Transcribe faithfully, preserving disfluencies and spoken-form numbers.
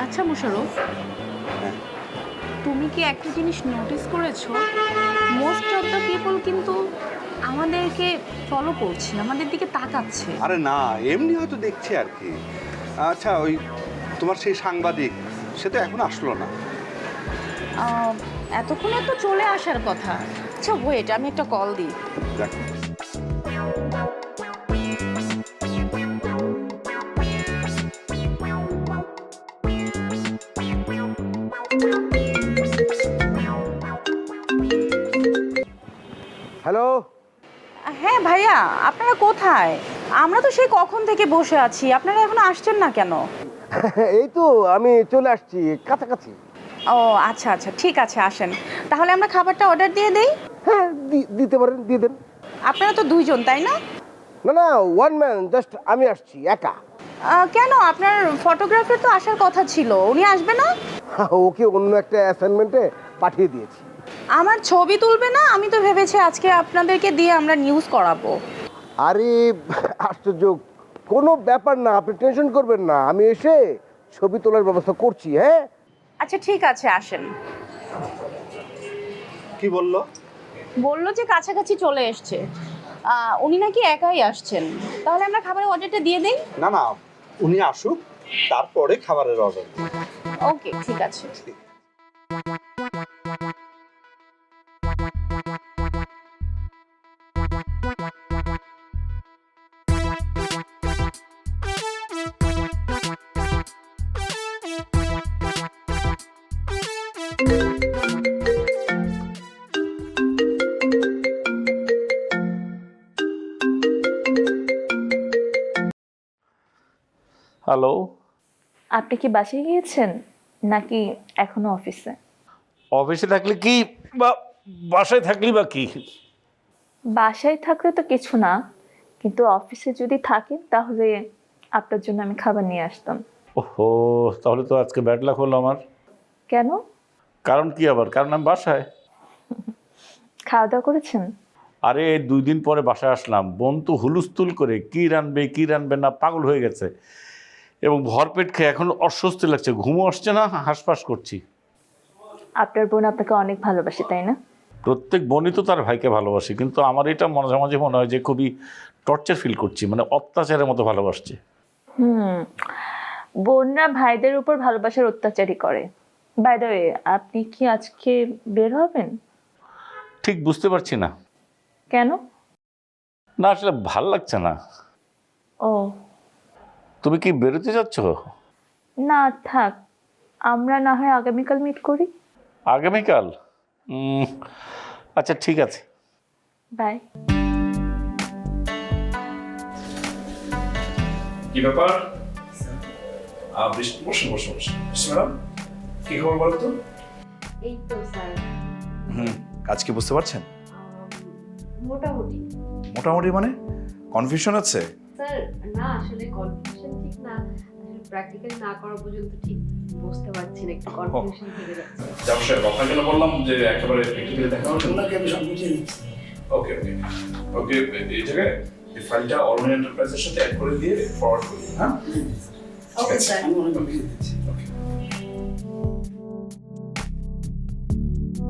আচ্ছা মুশারফ, তুমি কি একটা জিনিস নোটিস করেছো? মোস্ট অফ দ্য পিপল কিন্তু আমাদেরকে ফলো করছে, আমাদের দিকে তাকাচ্ছে। আরে না, এমনি হয়তো দেখছি আর কি। আচ্ছা, ওই তোমার সেই সাংবাদিক, সে তো এখন আসলো না। আহ, এতক্ষণে তো চলে আসার কথা। আচ্ছা ওয়েট, আমি একটা কল দিই। দেখো, হ্যালো। হ্যাঁ ভাইয়া, আপনারা কোথায়? আমরা তো সেই কখন থেকে বসে আছি, আপনারা এখনো আসছেন না কেন? এই তো আমি চলে আসছি কাছাকাছি। ও আচ্ছা আচ্ছা, ঠিক আছে, আসেন তাহলে আমরা খাবারটা অর্ডার দিয়ে দেই। হ্যাঁ দি- দিতে পারেন, দিয়ে দেন। আপনারা তো দুইজন তাই না? না না, ওয়ান ম্যান, জাস্ট আমি আসছি একা। আহ, কেন, আপনার ফটোগ্রাফার তো আসার কথা ছিল, উনি আসবে না? ওকে অন্য একটা অ্যাসাইনমেন্টে পাঠিয়ে দিয়েছি। আমার ছবি তুলবে না? আমি তো ভেবেছি আজকে আপনাদেরকে দিয়ে আমরা নিউজ করাবো। আরে আশ্চর্য, কোনো ব্যাপার না, আপনি টেনশন করবেন না, আমি এসে ছবি তোলার ব্যবস্থা করছি। হ্যাঁ আচ্ছা ঠিক আছে, আসেন। কি বললো? বললো যে কাছাকাছি চলে এসছে। আহ, উনি নাকি একাই আসছেন। তাহলে আমরা খাবারের অর্ডারটা দিয়ে দিই। না না, উনি আসুক, তারপরে খাবারের অর্ডার। ওকে ঠিক আছে। হ্যালো। আপনি কি বাসায় গিয়েছেন নাকি এখনো অফিসে? অফিসে থাকলে কি বা বাসায় থাকলি বা কি? বাসায় থাকলে তো কিছু না, কিন্তু অফিসে যদি থাকেন তাহলে আপনার জন্য আমি খাবার নিয়ে আসতাম। ওহো, তাহলে তো আজকে ব্যাড লাক হলো আমার। কেন? কারণ কি আবার? কারণ আমি বাসায়। খাওয়া দাওয়া করেছেন? আরে দুই দিন পরে বাসায় আসলাম, বোন তো হুলুস্থুল করে কি রানবে কি রানবে না পাগল হয়ে গেছে, এবং ভরপেট খেয়ে এখন অস্বস্তি লাগছে, ঘুমও আসছে না, হাঁসফাঁস করছি। আপনার বোন আপনাকে অনেক ভালোবাসে তাই না? প্রত্যেক বোনই তো তার ভাইকে ভালোবাসে, কিন্তু আমার এটা মাঝে মাঝে মনে হয় যে খুবই টর্চার ফিল করছি, মানে অত্যাচারের মতো ভালোবাসছে। হুম, বোনরা ভাইদের উপর ভালোবাসার অত্যাচারই করে। বাই দ্য ওয়ে, আপনি কি আজকে বের হবেন? ঠিক বুঝতে পারছি না। কেন? না আসলে ভাল লাগছে না। ও তুমি কি বেরোতে যাচ্ছ? না থাক, আমরা না হয় আগামীকাল মিট করি। আগামীকাল? উম, আচ্ছা ঠিক আছে। বাই। কি ব্যাপার? আহ, বৃষ্টি, বসুন বসুন বসুন। ম্যাডাম, কি খবর বলো তো? এই তো স্যার, হুম, কাজ কি বুঝতে পারছেন? মোটামুটি। মোটামুটি মানে কনফিউশন আছে? স্যার না, আসলে কনফিউশন ঠিক না, আসলে প্র্যাকটিক্যাল না করা পর্যন্ত ঠিক বুঝতে পারছি না, একটু কনফিউশন থেকে যাচ্ছে। যাও স্যার, কথা কেন বললাম যে একেবারে প্র্যাকটিক্যালি দেখা হবে। ওনাকে আমি সব বুঝিয়ে দিচ্ছি। ওকে ওকে ওকে, এই জায়গায় এই ফাইলটা অরুণ এন্টারপ্রাইজের সাথে অ্যাড করে দিয়ে ফরওয়ার্ড করি, হ্যাঁ? Okay sir. আমি ওনাকে বুঝিয়ে দিচ্ছি। ওকে।